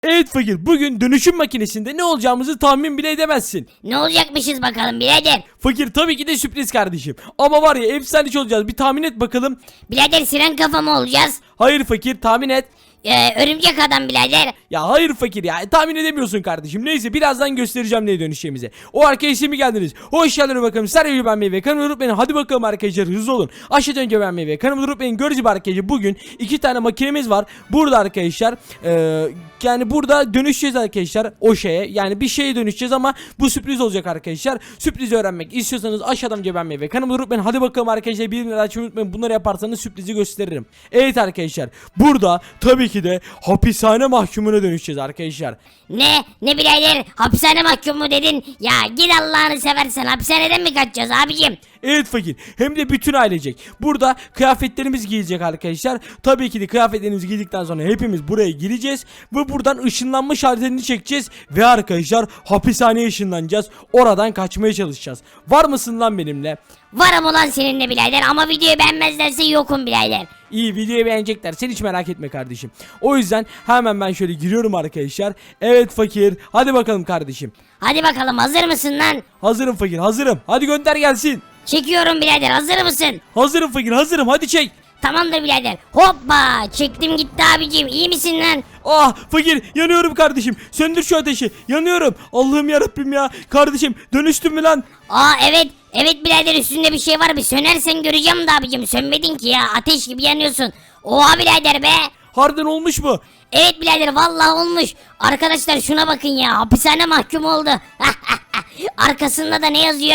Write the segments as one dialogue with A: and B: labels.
A: Evet fakir, bugün dönüşüm makinesinde ne olacağımızı tahmin bile edemezsin.
B: Ne olacakmışız bakalım birader.
A: Fakir, tabii ki de sürpriz kardeşim. Ama var ya, efsane olacağız. Bir tahmin et bakalım.
B: Birader siren kafa mı olacağız?
A: Hayır fakir, tahmin et.
B: Örümcek adam birader.
A: Ya hayır fakir ya, tahmin edemiyorsun kardeşim. Neyse, birazdan göstereceğim neye dönüşeceğimize. O arkadaşlar mi geldiniz? Hoş geldiniz bakalım. Servis beğenmeyi ve kanalıma unutmayın. Hadi bakalım arkadaşlar, hızlı olun. Aşağıdan önce beğenmeyi ve kanalıma unutmayın. Göreceğiz arkadaşlar, bugün 2 tane makinemiz var. Burada arkadaşlar yani burada dönüşeceğiz arkadaşlar o şeye. Yani bir şeye dönüşeceğiz ama bu sürpriz olacak arkadaşlar. Sürprizi öğrenmek istiyorsanız aşağıdan önce beğenmeyi ve kanalıma unutmayın. Hadi bakalım arkadaşlar, bildirimleri açmayı unutmayın. Bunları yaparsanız sürprizi gösteririm. Evet arkadaşlar, burada tabii ki de hapishane mahkumuna dönüşeceğiz arkadaşlar.
B: Ne birader, hapishane mahkumu dedin. Ya git Allah'ını seversen, hapishaneden mi kaçacağız abicim?
A: Evet fakir, hem de bütün ailecek. Burada kıyafetlerimiz giyecek arkadaşlar. Tabii ki de kıyafetlerimizi giydikten sonra hepimiz buraya gireceğiz ve buradan ışınlanma şalterini çekeceğiz ve arkadaşlar hapishaneye ışınlanacağız. Oradan kaçmaya çalışacağız. Var mısın lan benimle?
B: Varım ulan seninle birader, ama videoyu beğenmezlerse yokum birader.
A: İyi, videoyu beğenecekler, sen hiç merak etme kardeşim. O yüzden hemen ben şöyle giriyorum arkadaşlar. Evet fakir, hadi bakalım kardeşim.
B: Hadi bakalım, hazır mısın lan?
A: Hazırım fakir, hazırım. Hadi gönder gelsin.
B: Çekiyorum birader, hazır mısın?
A: Hazırım fakir, hazırım, hadi çek.
B: Tamamdır birader. Hoppa, çektim gitti abicim, iyi misin lan?
A: Ah fakir, yanıyorum kardeşim. Söndür şu ateşi, yanıyorum. Allah'ım yarabbim ya. Kardeşim, dönüştün mü lan?
B: Evet birader, üstünde bir şey var, bir sönersen göreceğim de abicim, sönmedin ki ya, ateş gibi yanıyorsun. Oha birader be.
A: Harbiden olmuş mu?
B: Evet birader, vallahi olmuş. Arkadaşlar şuna bakın ya, hapishane mahkum oldu. Arkasında da ne yazıyor?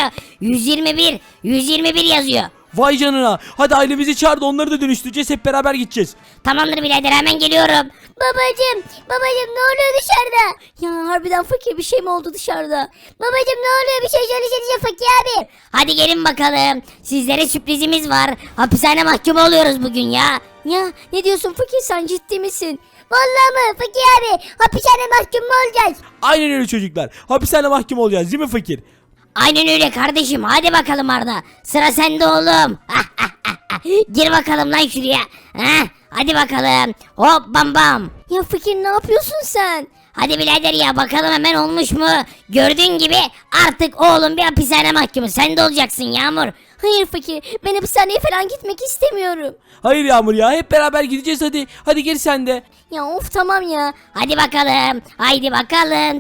B: 121 yazıyor.
A: Vay canına. Hadi ailemizi çağır da onları da dönüştüreceğiz, hep beraber gideceğiz.
B: Tamamdır birader, hemen geliyorum.
C: Babacım ne oluyor dışarıda? Ya harbiden fakir, bir şey mi oldu dışarıda? Babacım ne oluyor, bir şey söylesenize fakir abi.
B: Hadi gelin bakalım, sizlere sürprizimiz var. Hapishane mahkumu oluyoruz bugün ya.
C: Ya ne diyorsun fakir, sen ciddi misin? Vallahi mı fakir abi, hapishane mahkum mu olacağız?
A: Aynen öyle çocuklar. Hapishane mahkum olacağız değil mi fakir?
B: Aynen öyle kardeşim, hadi bakalım Arda. Sıra sende oğlum. Gir bakalım lan şuraya. Hadi bakalım. Hop bam bam.
C: Ya fakir, ne yapıyorsun sen?
B: Hadi birader ya, bakalım hemen olmuş mu? Gördüğün gibi artık oğlum bir hapishane mahkumu. Sen de olacaksın Yağmur.
C: Hayır fakir, ben hapishaneye falan gitmek istemiyorum.
A: Hayır Yağmur ya, hep beraber gideceğiz hadi. Hadi gel sen de.
C: Ya of, tamam ya.
B: Hadi bakalım. Haydi bakalım.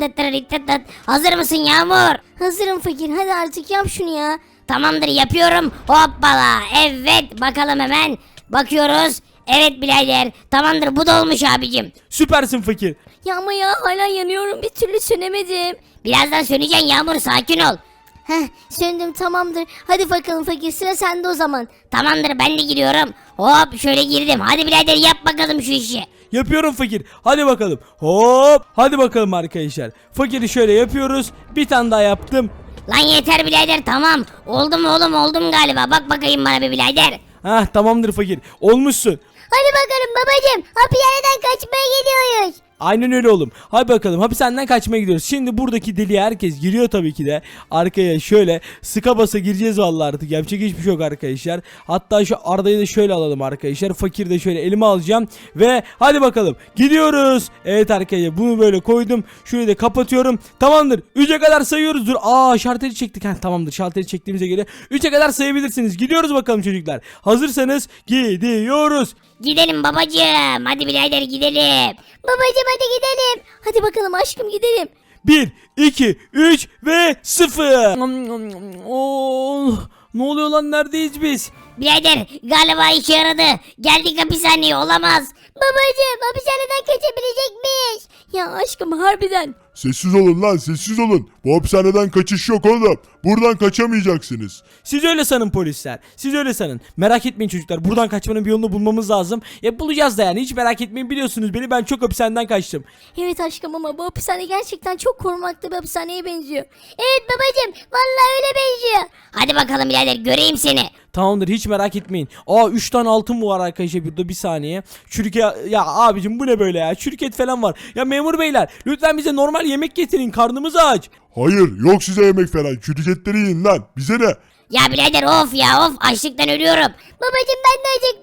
B: Hazır mısın Yağmur?
C: Hazırım fakir, hadi artık yap şunu ya.
B: Tamamdır, yapıyorum. Hoppala. Evet, bakalım hemen. Bakıyoruz. Evet birader. Tamamdır, bu da olmuş abicim.
A: Süpersin fakir.
C: Ya ama ya, hala yanıyorum, bir türlü sönemedim.
B: Birazdan söneceksin Yağmur, sakin ol.
C: Heh, söndüm, tamamdır. Hadi bakalım fakir, sıra sende o zaman.
B: Tamamdır, ben de giriyorum. Hop şöyle girdim. Hadi birader, yap bakalım şu işi.
A: Yapıyorum fakir. Hadi bakalım. Hop. Hadi bakalım arkadaşlar. Fakiri şöyle yapıyoruz. Bir tane daha yaptım.
B: Lan yeter birader, tamam. Oldu mu oğlum, oldum galiba. Bak bakayım bana bir birader.
A: Hah, tamamdır fakir. Olmuşsun.
C: Hadi bakalım babacım, hapishaneden kaçmaya gidiyoruz.
A: Aynen öyle oğlum. Hadi bakalım, hapishaneden kaçmaya gidiyoruz. Şimdi buradaki deliğe herkes giriyor tabii ki de. Arkaya şöyle sıka basa gireceğiz vallahi, artık yapacak hiçbir şey yok arkadaşlar. Hatta şu Arda'yı da şöyle alalım arkadaşlar. Fakir de şöyle elime alacağım. Ve hadi bakalım gidiyoruz. Evet arkadaşlar, bunu böyle koydum. Şurayı da kapatıyorum. Tamamdır. 3'e kadar sayıyoruz. Dur. Şalteri çektik. Tamamdır. Şalteri çektiğimize göre 3'e kadar sayabilirsiniz. Gidiyoruz bakalım çocuklar. Hazırsanız gidiyoruz.
B: Gidelim babacığım. Hadi birader gidelim.
C: Babacım hadi gidelim. Hadi bakalım aşkım, gidelim.
A: 1, 2, 3 ve 0. Oh, ne oluyor lan, neredeyiz biz?
B: Birader galiba işe yaradı. Geldik hapishaneye, olamaz.
C: Babacım, hapishaneden kaçabilecek miyiz? Ya aşkım, harbiden.
D: Sessiz olun lan, sessiz olun. Bu hapishaneden kaçış yok oğlum. Buradan kaçamayacaksınız.
A: Siz öyle sanın polisler. Siz öyle sanın. Merak etmeyin çocuklar. Buradan kaçmanın bir yolunu bulmamız lazım. Bulacağız da yani. Hiç merak etmeyin, biliyorsunuz beni. Ben çok hapishaneden kaçtım.
C: Evet aşkım, ama bu hapishane gerçekten çok korunaklı bir hapishaneye benziyor. Evet babacım, vallahi öyle benziyor.
B: Hadi bakalım birader, göreyim seni.
A: Tamamdır, hiç merak etmeyin. 3 tane altın mı var arkadaşlar burada, bir saniye. Çürük ya abicim, bu ne böyle ya? Çürük et falan var. Ya memur beyler, lütfen bize normal yemek getirin. Karnımız aç.
D: Hayır, yok size yemek falan. Şirketleri yiyin lan. Bize ne?
B: Ya birader of ya, of, açlıktan ölüyorum.
C: Babacım ben de acıktım.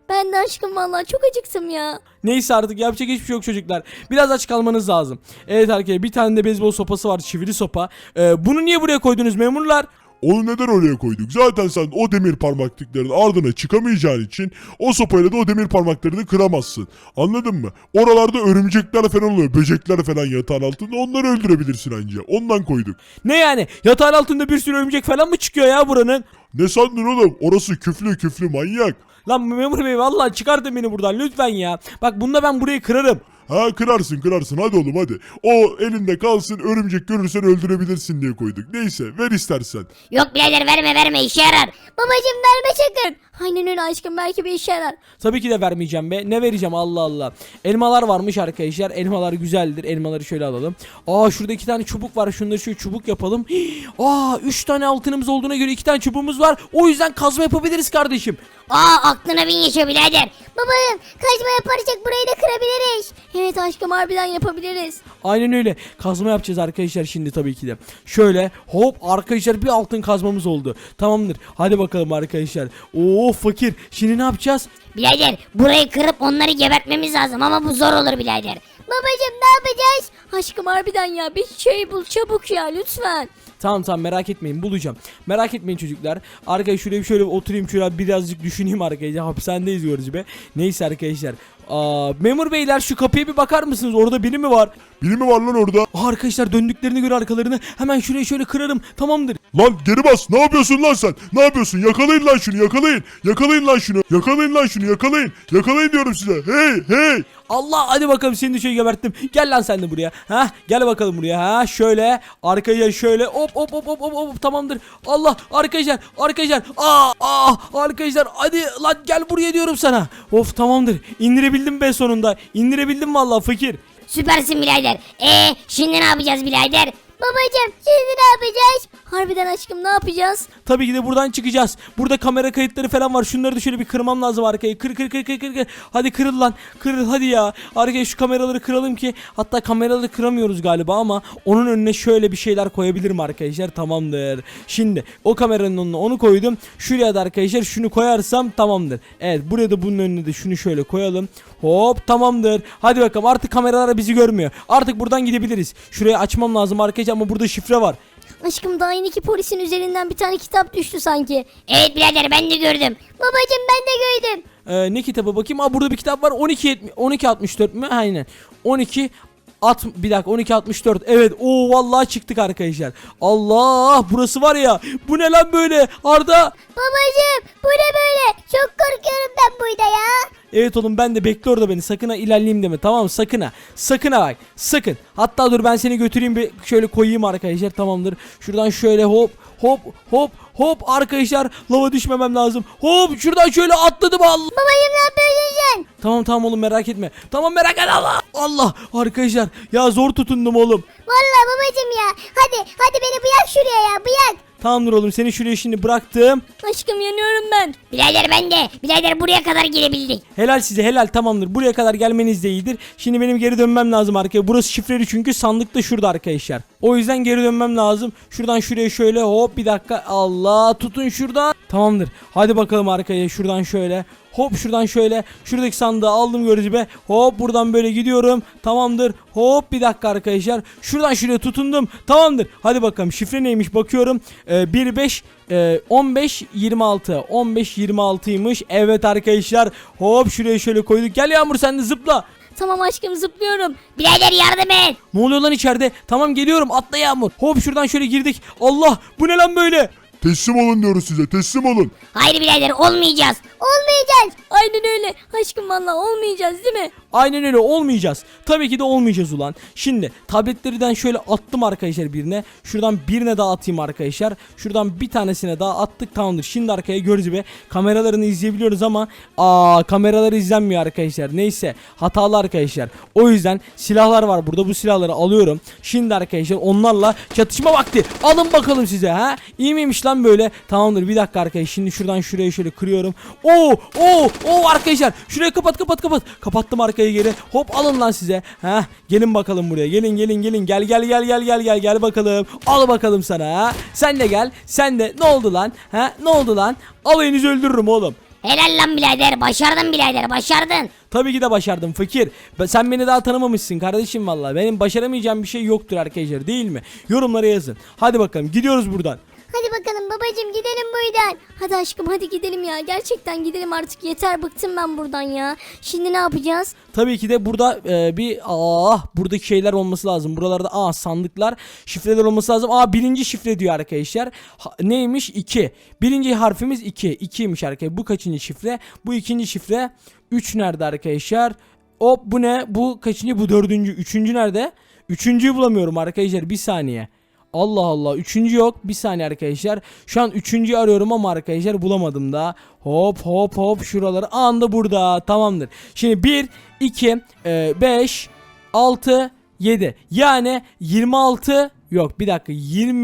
C: Ben de aşkım vallahi çok acıktım ya.
A: Neyse artık yapacak hiçbir şey yok çocuklar. Biraz aç kalmanız lazım. Evet arkadaşlar bir tane de beyzbol sopası var, çivili sopa. Bunu niye buraya koydunuz memurlar?
D: Onu neden oraya koyduk? Zaten sen o demir parmaklıkların ardına çıkamayacağın için o sopayla da o demir parmaklarını kıramazsın. Anladın mı? Oralarda örümcekler falan oluyor. Böcekler falan yatağın altında. Onları öldürebilirsin anca. Ondan koyduk.
A: Ne yani? Yatağın altında bir sürü örümcek falan mı çıkıyor ya buranın?
D: Ne sandın oğlum? Orası küflü manyak.
A: Lan memur bey vallahi çıkartın beni buradan lütfen ya. Bak bunda ben burayı kırarım.
D: Ha kırarsın hadi oğlum hadi. O elinde kalsın, örümcek görürsen öldürebilirsin diye koyduk. Neyse ver istersen.
B: Yok birader verme işe yarar.
C: Babacım verme sakın. Aynen öyle aşkım, belki bir işe yarar.
A: Tabii ki de vermeyeceğim be. Ne vereceğim Allah Allah. Elmalar varmış arkadaşlar. Elmalar güzeldir. Elmaları şöyle alalım. Aa şurada 2 tane çubuk var. Şunları şöyle çubuk yapalım. Aa 3 tane altınımız olduğuna göre 2 tane çubuğumuz var. O yüzden kazma yapabiliriz kardeşim.
B: Aklına bin yaşa birader.
C: Babacım kaçma yaparsak burayı da kırabiliriz. Evet aşkım, harbiden yapabiliriz.
A: Aynen öyle. Kazma yapacağız arkadaşlar şimdi tabii ki de. Şöyle hop arkadaşlar bir altın kazmamız oldu. Tamamdır. Hadi bakalım arkadaşlar. Oo fakir. Şimdi ne yapacağız?
B: Birader burayı kırıp onları gebertmemiz lazım ama bu zor olur birader.
C: Babacım ne yapacağız? Aşkım harbiden ya, bir şey bul çabuk ya lütfen.
A: Tamam merak etmeyin bulacağım. Merak etmeyin çocuklar. Arkadaşlar şuraya şöyle oturayım şöyle birazcık düşüneyim arkadaşlar. Hapishanedeyiz diyoruz be. Neyse arkadaşlar. Memur beyler şu kapıya bir bakar mısınız? Orada biri mi var?
D: Biri mi var lan orada?
A: Arkadaşlar döndüklerini göre arkalarını hemen şuraya şöyle kırarım. Tamamdır.
D: Lan geri bas. Ne yapıyorsun lan sen? Ne yapıyorsun? Yakalayın lan şunu yakalayın. Yakalayın lan şunu. Yakalayın lan şunu yakalayın. Yakalayın diyorum size. Hey.
A: Allah hadi bakalım seni de şöyle geberttim. Gel lan sen de buraya. Ha gel bakalım buraya. Ha şöyle arkaya şöyle hop tamamdır. Allah arkadaşlar. Arkadaşlar hadi lan gel buraya diyorum sana. Of tamamdır. İndirebildim be sonunda. İndirebildim vallahi fakir.
B: Süpersin birader. Şimdi ne yapacağız birader?
C: Babacım şimdi ne yapacağız? Harbiden aşkım ne yapacağız?
A: Tabii ki de buradan çıkacağız. Burada kamera kayıtları falan var. Şunları da şöyle bir kırmam lazım arkayı. Kır. Hadi kırıl lan. Kırıl hadi ya. Arkaya şu kameraları kıralım ki. Hatta kameraları kıramıyoruz galiba ama onun önüne şöyle bir şeyler koyabilirim arkadaşlar. Tamamdır. Şimdi o kameranın önüne onu koydum. Şuraya da arkadaşlar şunu koyarsam tamamdır. Evet buraya da bunun önüne de şunu şöyle koyalım. Hop tamamdır. Hadi bakalım artık kameralar bizi görmüyor. Artık buradan gidebiliriz. Şurayı açmam lazım arkadaşlar ama burada şifre var.
C: Aşkım daha yeni ki polisin üzerinden bir tane kitap düştü sanki.
B: Evet birader ben de gördüm.
C: Babacım ben de gördüm.
A: Ne kitabı bakayım? Aa burada bir kitap var. 1264 mü? Aynen. 1264. Evet. Oo vallahi çıktık arkadaşlar. Allah burası var ya. Bu ne lan böyle? Arda.
C: Babacım bu ne böyle? Çok korkuyorum ben burada ya.
A: Evet oğlum ben de bekle orada beni. Sakın ha ilerleyeyim deme. Tamam mı? Sakın ha. Sakın ha bak. Sakın. Hatta dur ben seni götüreyim bir şöyle koyayım arkadaşlar. Tamamdır. Şuradan şöyle hop arkadaşlar. Lava düşmemem lazım. Hop şuradan şöyle atladım Allah.
C: Babacım ne yapıyorsun sen?
A: Tamam oğlum merak etme. Tamam merak etme Allah arkadaşlar ya zor tutundum oğlum.
C: Vallahi babacım ya. Hadi beni bırak şuraya ya bırak.
A: Tamamdır oğlum seni şuraya şimdi bıraktım.
C: Aşkım yanıyorum ben.
B: Birader ben de. Birader buraya kadar gelebildik.
A: Helal size helal tamamdır. Buraya kadar gelmeniz de iyidir. Şimdi benim geri dönmem lazım arkaya. Burası şifreli çünkü sandık da şurada arkadaşlar. O yüzden geri dönmem lazım. Şuradan şuraya şöyle hop bir dakika. Allah tutun şuradan. Tamamdır. Hadi bakalım arkaya şuradan şöyle. Hop şuradan şöyle. Şuradaki sandığı aldım görücü be. Hop buradan böyle gidiyorum. Tamamdır. Hop bir dakika arkadaşlar. Şuradan şuraya tutundum. Tamamdır. Hadi bakalım şifre neymiş bakıyorum. 15 26 15-26'ymış. Evet arkadaşlar. Hop şuraya şöyle koyduk. Gel Yağmur sen de zıpla.
C: Tamam aşkım zıplıyorum.
B: Birader yardım et.
A: Ne oluyor lan içeride? Tamam geliyorum atla Yağmur. Hop şuradan şöyle girdik. Allah bu ne lan böyle?
D: Teslim olun diyoruz size teslim olun.
B: Hayır birader olmayacağız.
C: Olmayacağız. Aynen öyle. Aşkım vallahi olmayacağız değil mi?
A: Aynen öyle olmayacağız. Tabii ki de olmayacağız ulan. Şimdi tabletlerden şöyle attım arkadaşlar birine. Şuradan birine daha atayım arkadaşlar. Şuradan bir tanesine daha attık tamamdır. Şimdi arkaya görüyoruz be. Kameralarını izleyebiliyoruz ama kameraları izlenmiyor arkadaşlar. Neyse hatalı arkadaşlar. O yüzden silahlar var burada. Bu silahları alıyorum. Şimdi arkadaşlar onlarla çatışma vakti. Alın bakalım size ha. İyi miymiş lan böyle? Tamamdır bir dakika arkadaşlar. Şimdi şuradan şuraya şöyle kırıyorum. Oo arkadaşlar. Şurayı kapat. Kapattım arkayı geri. Hop alın lan size. Ha gelin bakalım buraya. Gelin. Gel bakalım. Al bakalım sana ha. Sen de gel. Sen de ne oldu lan? Ha ne oldu lan? Alayınızı öldürürüm oğlum.
B: Helal lan birader, başardın birader, başardın.
A: Tabii ki de başardım fakir. Sen beni daha tanımamışsın kardeşim vallahi. Benim başaramayacağım bir şey yoktur arkadaşlar, değil mi? Yorumlara yazın. Hadi bakalım gidiyoruz buradan.
C: Hadi bakalım babacım gidelim buradan. Hadi aşkım hadi gidelim ya. Gerçekten gidelim artık, yeter bıktım ben buradan ya. Şimdi ne yapacağız?
A: Tabii ki de burada buradaki şeyler olması lazım. Buralarda sandıklar, şifreler olması lazım. Birinci şifre diyor arkadaşlar. Neymiş? 2. Birinci harfimiz 2. 2'ymiş arkadaşlar. Bu kaçıncı şifre? Bu ikinci şifre. 3 nerede arkadaşlar? Hop, bu ne? Bu kaçıncı? Bu dördüncü. Üçüncü nerede? Üçüncüyü bulamıyorum arkadaşlar. Bir saniye. Allah Allah, üçüncü yok. Bir saniye arkadaşlar. Şu an üçüncüyü arıyorum ama arkadaşlar bulamadım da. Hop hop hop, şuraları anda burada. Tamamdır. Şimdi 1, 2, 5, 6, 7. Yani 26 yok, bir dakika,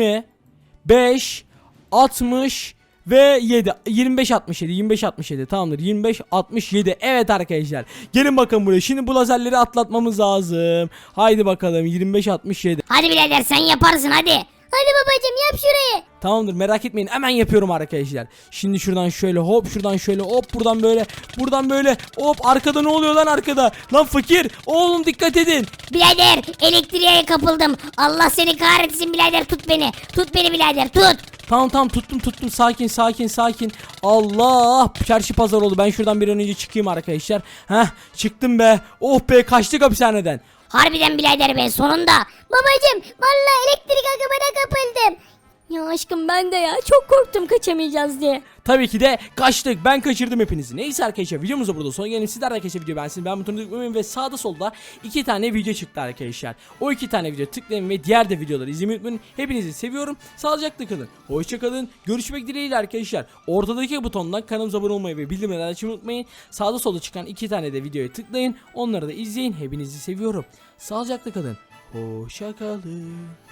A: 25, 60 ve 7. 25 67, 25 67, tamamdır. 25 67. Evet arkadaşlar, gelin bakın buraya. Şimdi bu lazerleri atlatmamız lazım. Haydi bakalım, 25 67.
B: Hadi birader, sen yaparsın hadi.
C: Hadi babacım yap şurayı.
A: Tamamdır, merak etmeyin, hemen yapıyorum arkadaşlar. Şimdi şuradan şöyle hop, şuradan şöyle hop, buradan böyle, buradan böyle hop. Arkada ne oluyor lan, arkada? Lan fakir oğlum, dikkat edin.
B: Birader, elektriğe kapıldım. Allah seni kahretsin birader, tut beni. Tut beni birader, tut.
A: Tamam tuttum, sakin. Allah, çarşı pazar oldu. Ben şuradan bir an önce çıkayım arkadaşlar. Çıktım be. Oh be, kaçtık hapishaneden.
B: Harbiden birader be, sonunda.
C: Babacım vallahi elektrik akımına kapıldım. Ya aşkım ben de ya çok korktum kaçamayacağız diye.
A: Tabii ki de kaçtık. Ben kaçırdım hepinizi. Neyse arkadaşlar, videomuz da burada sona gelelim. Sizler de arkadaşlar video beğensin. Ben butonu tıklamayın ve sağda solda 2 tane video çıktı arkadaşlar. O 2 tane video tıklayın ve diğer de videoları izlemeyi unutmayın. Hepinizi seviyorum. Sağlıcakla kalın. Hoşça kalın. Görüşmek dileğiyle arkadaşlar. Ortadaki butondan kanalımıza abone olmayı ve bildirimleri açmayı unutmayın. Sağda solda çıkan 2 tane de videoyu tıklayın. Onları da izleyin. Hepinizi seviyorum. Sağlıcakla kalın. Hoşça kalın.